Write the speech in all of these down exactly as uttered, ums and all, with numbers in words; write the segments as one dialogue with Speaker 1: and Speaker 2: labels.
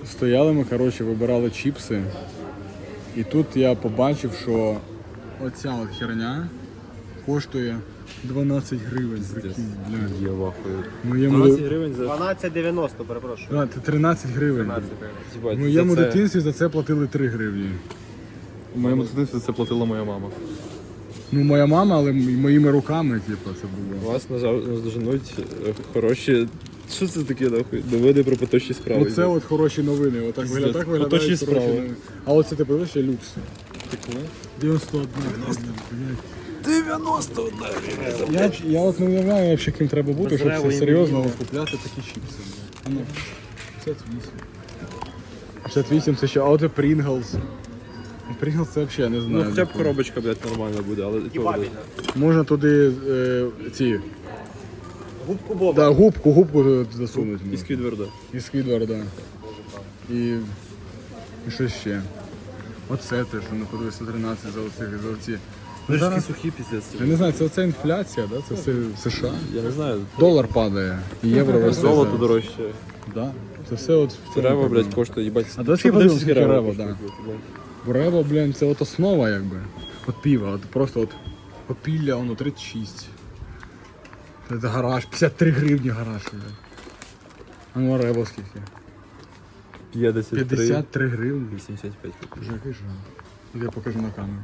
Speaker 1: Стояли ми, коротше, вибирали чіпси. І тут я побачив, що оця от херня коштує дванадцять гривень. Прикинь, блядь.
Speaker 2: Я вахую.
Speaker 1: Моєму...
Speaker 2: дванадцять гривень за...
Speaker 3: дванадцять дев'яносто, перепрошую.
Speaker 1: А, це тринадцять гривень.
Speaker 3: тринадцять гривень.
Speaker 1: В моєму дитинстві за це платили три гривні.
Speaker 2: У моєму дитинстві це платила моя мама.
Speaker 1: Ну, моя мама, але м- моїми руками, типу, це було.
Speaker 2: Вас наздоженуть хороші... Що це таке, нахуй? Доводи про поточні справи.
Speaker 1: Оце от хороші новини. Отак
Speaker 2: Пиздець.
Speaker 1: виглядає, так виглядають
Speaker 2: Поточні
Speaker 1: хороші
Speaker 2: справи.
Speaker 1: новини. А оце ти подивишся ще люкс.
Speaker 2: Таке?
Speaker 1: дев'яносто одна гривня, блядь.
Speaker 2: дев'яносто одна гривня.
Speaker 1: Я, я от не уявляю, взагалі, ким треба бути, щоб
Speaker 3: Розрево
Speaker 1: це
Speaker 3: і
Speaker 1: серйозно
Speaker 3: мені.
Speaker 1: от купляти такі чіпси. А ну, п'ятдесят вісім. п'ятдесят вісім це ще, а от і Pringles. Pringles це взагалі не знаю.
Speaker 2: Ну хоча б коробочка, блядь, нормальна буде, але і то буде.
Speaker 1: Можна туди е, ці,
Speaker 3: Губку Боба.
Speaker 1: да, губку, губку туди засунути.
Speaker 2: І Сквідварда.
Speaker 1: І Сквідварда. І, і що ще? Оце теж, ну подивись, сто тринадцять за оці, за оці.
Speaker 2: Вони ж
Speaker 1: Зараз-
Speaker 2: такі сухі, піздець.
Speaker 1: Я не знаю, це оця інфляція, да? Це все в США.
Speaker 2: Я не знаю.
Speaker 1: Долар падає, і євро росте.
Speaker 2: Золото
Speaker 1: зараз.
Speaker 2: дорожче.
Speaker 1: Да. Це все от в цьому
Speaker 2: Рево,
Speaker 1: проблема.
Speaker 2: блядь, коштує, їбать.
Speaker 1: А давай
Speaker 2: Що
Speaker 1: подивимось,
Speaker 2: буде
Speaker 1: скільки
Speaker 2: Рево
Speaker 1: Рево,
Speaker 2: коштує,
Speaker 1: да.
Speaker 2: блядь?
Speaker 1: Бо Рево, блін, це от основа, якби. От піва, от просто от попілля, воно тридцять шість. Це гараж, п'ятдесят три гривні гараж, блядь. А ну, а Рево скільки?
Speaker 2: п'ятдесят три.
Speaker 1: п'ятдесят три гривні.
Speaker 2: вісімдесят п'ять.
Speaker 1: Вже який жах. Я покажу на камеру.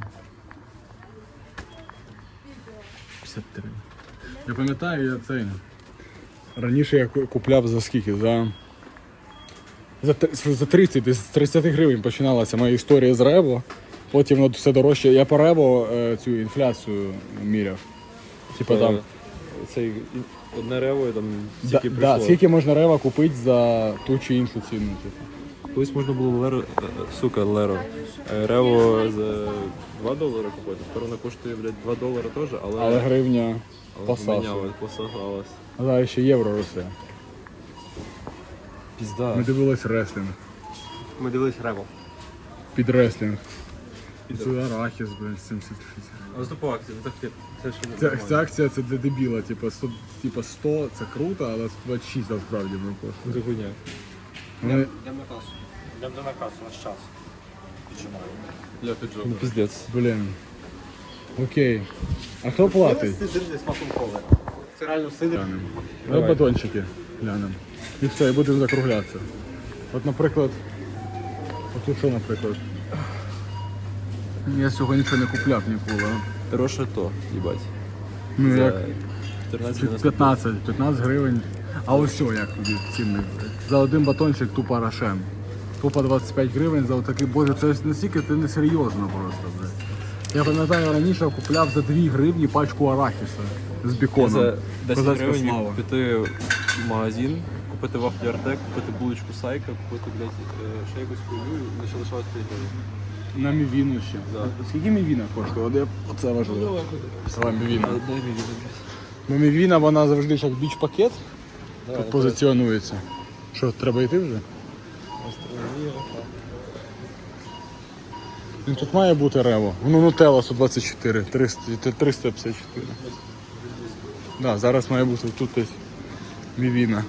Speaker 1: п'ятдесят три. Я пам'ятаю, я цей. Раніше я ку- купляв за скільки? За. За, тр- за тридцять, десь з тридцять гривень починалася моя історія з Рево. Потім воно все дорожче. Я по Рево е, цю інфляцію міряв. Типа там.
Speaker 2: Цей одне рево і там
Speaker 1: Да,
Speaker 2: стільки
Speaker 1: да,
Speaker 2: прийшло.
Speaker 1: скільки можна Рево купити за ту чи іншу ціну. Типу.
Speaker 2: Колись можна було леро, е, сука, леро. Е, Рево за два долари купити. Тепер вона коштує, блядь, два долари теж, але,
Speaker 1: Але гривня
Speaker 2: але
Speaker 1: посасує.
Speaker 2: помінялась, посагалась.
Speaker 1: А зараз ще євро росте.
Speaker 2: Пізда.
Speaker 1: Ми дивились реслінг.
Speaker 3: Ми дивились Рево.
Speaker 1: Під реслінг. Це арахіс, блядь, сімдесят шість.
Speaker 2: А за по акції, ну так це ж не
Speaker 1: Ця,
Speaker 2: нормально.
Speaker 1: ця акція це для дебіла, типа сто, типа сто це круто, але сто двадцять шість насправді не коштує.
Speaker 2: Це хуйня.
Speaker 1: Вони...
Speaker 3: Йдемо на касу. Йдемо на касу, наш час. Піджимаємо.
Speaker 2: Я піджов. Ну піздець.
Speaker 1: Блін. Окей. А хто платить?
Speaker 3: Сидр зі смаком коли. Це реально сидр.
Speaker 1: Глянемо.
Speaker 2: Давай.
Speaker 1: Давай батончики глянемо. І все, і будемо закруглятися. От, наприклад, от тут що, наприклад? Я цього нічого не купляв ніколи.
Speaker 2: Дорожче то, їбать.
Speaker 1: Ну
Speaker 2: За
Speaker 1: як
Speaker 2: чотирнадцять
Speaker 1: чи
Speaker 2: дев'яносто.
Speaker 1: п'ятнадцять, п'ятнадцять гривень. А ось що, як тобі цінник. За один батончик тупо рошен. Тупо двадцять п'ять гривень за отакий, боже, це настільки це несерйозно просто, блядь. Я пам'ятаю, раніше купляв за дві гривні пачку арахіса з
Speaker 2: Я
Speaker 1: біконом.
Speaker 2: за десять
Speaker 1: Козацька
Speaker 2: гривень
Speaker 1: слава.
Speaker 2: міг піти в магазин, купити вафлі Артек, купити булочку Сайка, купити, блядь, е, ще якусь хуйню, і ще лишалось п'ять гривень.
Speaker 1: На мівіну ще.
Speaker 2: Да.
Speaker 1: Скільки мівіна коштує? От я- Оце важливо. Сама мівіна.
Speaker 2: А, дай мені, блядь.
Speaker 1: Ну мівіна, вона завжди як біч-пакет
Speaker 2: Давай,
Speaker 1: тут позиціонується. Що, треба йти вже? Ну, тут має бути Рево. Ну, Нутелла сто двадцять чотири, триста, триста п'ятдесят чотири. Да, зараз має бути тут десь мівіна.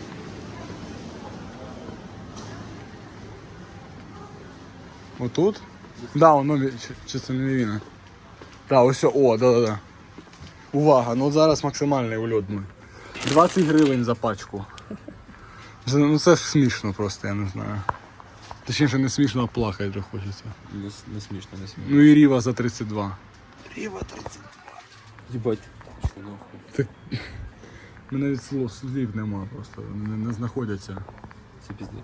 Speaker 1: Отут? Да, воно мі- чи, чи це не мівіна? Да, ось, о, да, да, да. Увага, ну от зараз максимальний ульот мій. двадцять гривень за пачку. Це- Ну це смішно просто, я не знаю. Точніше не смішно, а плакати вже хочеться.
Speaker 2: Не, с- не смішно, не смішно.
Speaker 1: Ну і Ріва за тридцять два.
Speaker 2: Їбать. Що нахуй?
Speaker 1: Так... У мене навіть слов, слів нема просто, не, не знаходяться.
Speaker 2: Це піздець.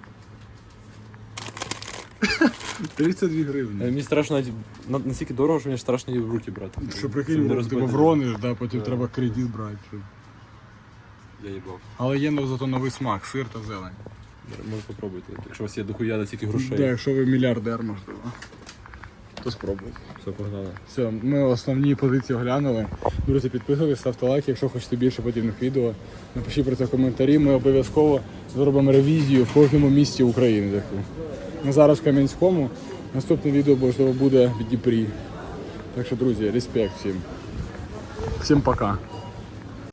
Speaker 1: тридцять дві
Speaker 2: Е,
Speaker 1: гривні.
Speaker 2: Мені страшно, навіть- на- настільки дорого, що мені страшно її в руки брати.
Speaker 1: Що
Speaker 2: Щоб
Speaker 1: прикинь,
Speaker 2: не
Speaker 1: ти
Speaker 2: розбити.
Speaker 1: врониш, да, потім
Speaker 2: Да.
Speaker 1: треба кредит брати. щоб-
Speaker 2: Я їбав.
Speaker 1: Але є ну, зато новий смак, сир та зелень.
Speaker 2: Може попробуйте, якщо у вас є дохуя на стільки грошей.
Speaker 1: Да, якщо ви мільярдер, можливо, то спробуйте.
Speaker 2: Все, погнали.
Speaker 1: Все, ми основні позиції оглянули. Друзі, підписуйтесь, ставте лайк, якщо хочете більше подібних відео. Напишіть про це в коментарі. Ми обов'язково зробимо ревізію в кожному місті України. Таку. Ми зараз в Кам'янському. Наступне відео можливо буде в Дніпрі. Так що, друзі, респект всім. Всім пока.